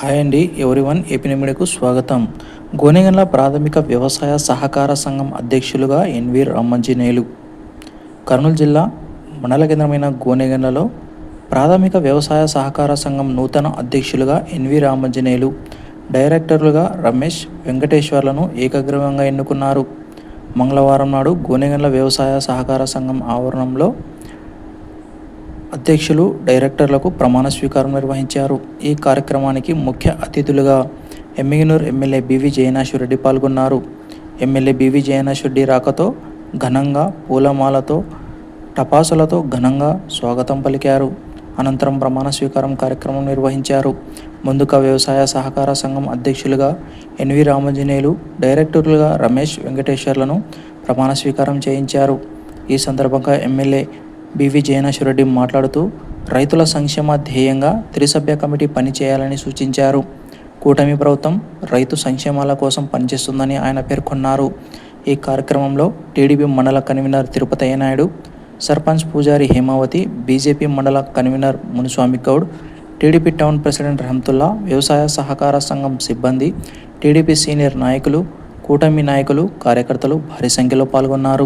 Hi అండి everyone, AP మీడియాకు స్వాగతం. గోనెగండ్ల ప్రాథమిక వ్యవసాయ సహకార సంఘం అధ్యక్షులుగా ఎన్వి రామాంజనేయులు. కర్నూలు జిల్లా మండల కేంద్రమైన గోనెగండ్లలో ప్రాథమిక వ్యవసాయ సహకార సంఘం నూతన అధ్యక్షులుగా ఎన్వి రామాంజనేయులు, డైరెక్టర్లుగా రమేష్, వెంకటేశ్వర్లను ఏకగ్రీవంగా ఎన్నుకున్నారు. మంగళవారం నాడు గోనెగండ్ల వ్యవసాయ సహకార సంఘం ఆవరణంలో అధ్యక్షులు, డైరెక్టర్లకు ప్రమాణ స్వీకారం నిర్వహించారు. ఈ కార్యక్రమానికి ముఖ్య అతిథులుగా ఎమ్మిగనూరు ఎమ్మెల్యే బివి జయనాశ్వరరెడ్డి పాల్గొన్నారు. ఎమ్మెల్యే బివి జయనాశ్వరరెడ్డి రాకతో ఘనంగా పూలమాలతో, టపాసులతో ఘనంగా స్వాగతం పలికారు. అనంతరం ప్రమాణ స్వీకారం కార్యక్రమం నిర్వహించారు. ముందుగా వ్యవసాయ సహకార సంఘం అధ్యక్షులుగా ఎన్వి రామాంజనేయులు, డైరెక్టర్లుగా రమేష్, వెంకటేశ్వర్లను ప్రమాణ స్వీకారం చేయించారు. ఈ సందర్భంగా ఎమ్మెల్యే బివి జయనాశ్వరరెడ్డి మాట్లాడుతూ రైతుల సంక్షేమ ధ్యేయంగా త్రిసభ్య కమిటీ పనిచేయాలని సూచించారు. కూటమి ప్రభుత్వం రైతు సంక్షేమాల కోసం పనిచేస్తుందని ఆయన పేర్కొన్నారు. ఈ కార్యక్రమంలో టీడీపీ మండల convener Tirupati Naidu, sarpanch Pujari Hemavathi, BJP mandal convener Muniswamy Goud, TDP town president Rahamatulla, వ్యవసాయ సహకార సంఘం సిబ్బంది, టీడీపీ సీనియర్ నాయకులు, కూటమి నాయకులు, కార్యకర్తలు భారీ సంఖ్యలో పాల్గొన్నారు.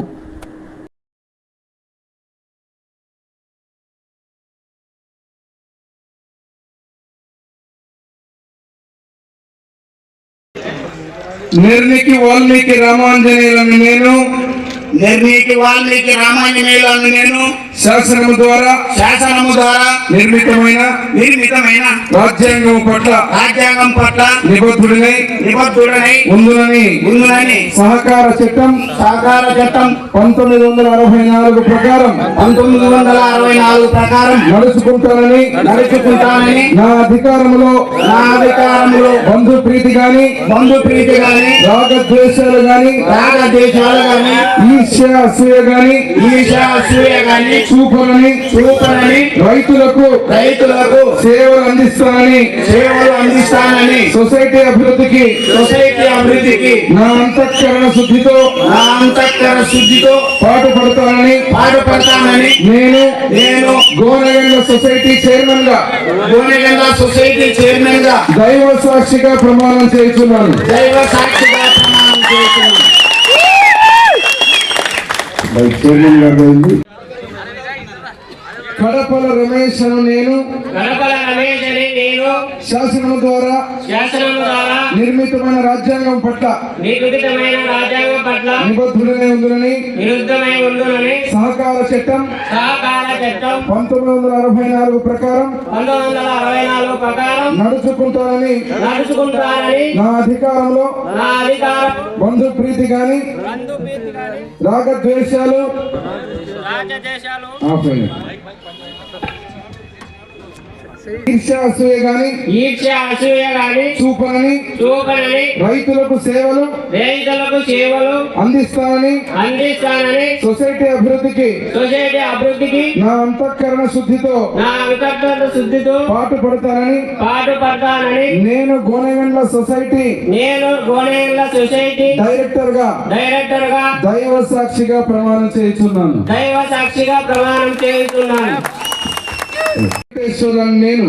నిర్ణీకి వాల్మీకి రామాంజనేయులను నేను శాసనము ద్వారా నిర్మితమైన రాజ్యాంగం పట్ల నిబద్ధుడనై ఉందునని సహకార చట్టం 1964 ప్రకారం నడుచుకుంటానని నా అధికారంలో బంధు ప్రీతి గాని రాగద్వేషాలు గాని ఈర్ష్య అసూయ గాని చూపనని రైతులకు సేవలు అందిస్తానని సొసైటీ అభివృద్ధికి నా అంతఃకరణ శుద్ధితో పాటుపడతానని నేను గోనెగండ్ల సొసైటీ చైర్మన్ గా దైవ సాక్షిగా ప్రమాణం చేస్తున్నాను. చైర్మన్ గారు కడపల రమేష్ అని నేను శాసనము ద్వారా నిర్మితమైన రాజ్యాంగం పట్ల నిబద్ధుడనై ఉండునని సహకార చట్టం 1964 ప్రకారం నడుచుకుంటానని నా అధికారంలో బంధు ప్రీతి గాని రాగద్వేషాలు ఈర్ష్య అసూయ గాని చూపనని రైతులకు సేవలు అందిస్తానని సొసైటీ అభివృద్ధికి నా అంతఃకరణ శుద్ధితో పాటుపడతానని నేను గోనెగండ్ల సొసైటీ డైరెక్టర్ గా దైవ సాక్షిగా ప్రమాణం చేస్తున్నాను. నేను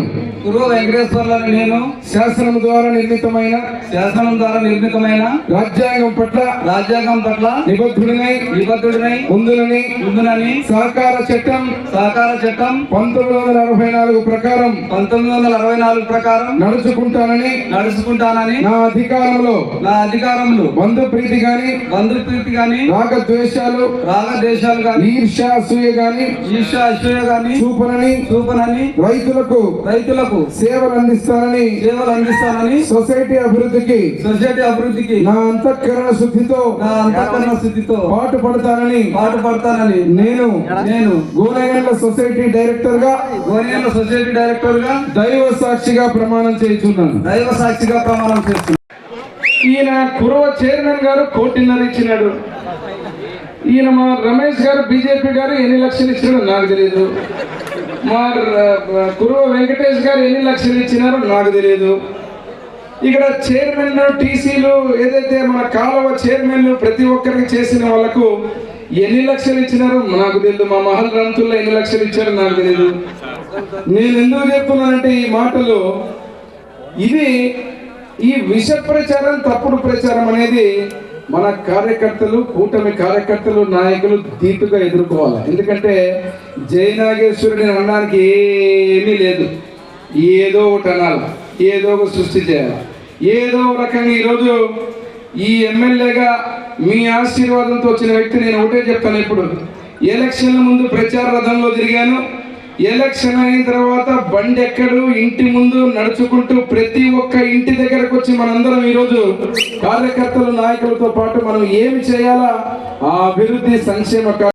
శాసనం ద్వారా నిర్మితమైన రాజ్యాంగం పట్ల నిబద్ధుడనై ఉందునని సహకార చట్టం 1964 ప్రకారం నడుచుకుంటానని నా అధికారంలో బంధు ప్రీతి గాని రాగద్వేషాలు గాని ఈర్ష్య అసూయ గాని చూపనని రైతులకు సేవలు అందిస్తానని సొసైటీ అభివృద్ధికి నా అంతఃకరణ శుద్ధితో పాటుపడతానని నేను గోనెగండ్ల సొసైటీ డైరెక్టర్ గా దైవ సాక్షిగా ప్రమాణం చేస్తున్నాను. ఈయన కురవ చైర్మన్ గారు 1.5 కోటి ఇచ్చినాడు. ఈయన మా రమేష్ గారు బీజేపీ గారు ఎన్ని లక్షలు ఇచ్చినాడో నాకు తెలియదు. మా కురువ వెంకటేష్ గారు ఎన్ని లక్షలు ఇచ్చినారో నాకు తెలియదు. ఇక్కడ చైర్మన్ టీసీలు ఏదైతే మన కాలువ చైర్మన్లు ప్రతి ఒక్కరికి చేసిన వాళ్ళకు ఎన్ని లక్షలు ఇచ్చినారో నాకు తెలియదు. మా మహల్ రంతుల్లో ఎన్ని లక్షలు ఇచ్చారో నాకు తెలియదు. నేను ఎందుకు చెప్తున్నానంటే ఈ మాటలు ఇది ఈ విష ప్రచారం, తప్పుడు ప్రచారం అనేది మన కార్యకర్తలు, కూటమి కార్యకర్తలు, నాయకులు ధీటుగా ఎదుర్కోవాలి. ఎందుకంటే జయనాగేశ్వరుడిని అనడానికి ఏమీ లేదు. ఏదో ఒకటి అనాలి, ఏదో ఒక సృష్టి చేయాలి, ఏదో రకంగా. ఈరోజు ఈ ఎమ్మెల్యేగా మీ ఆశీర్వాదంతో వచ్చిన వ్యక్తి నేను ఒకటే చెప్తాను. ఇప్పుడు ఎలక్షన్ల ముందు ప్రచార రథంలో తిరిగాను. ఎలక్షన్ అయిన తర్వాత బండి ఎక్కడు, ఇంటి ముందు నడుచుకుంటూ ప్రతి ఒక్క ఇంటి దగ్గరకు వచ్చి మనందరం ఈరోజు కార్యకర్తలు, నాయకులతో పాటు మనం ఏమి చేయాలా ఆ అభివృద్ధి, సంక్షేమ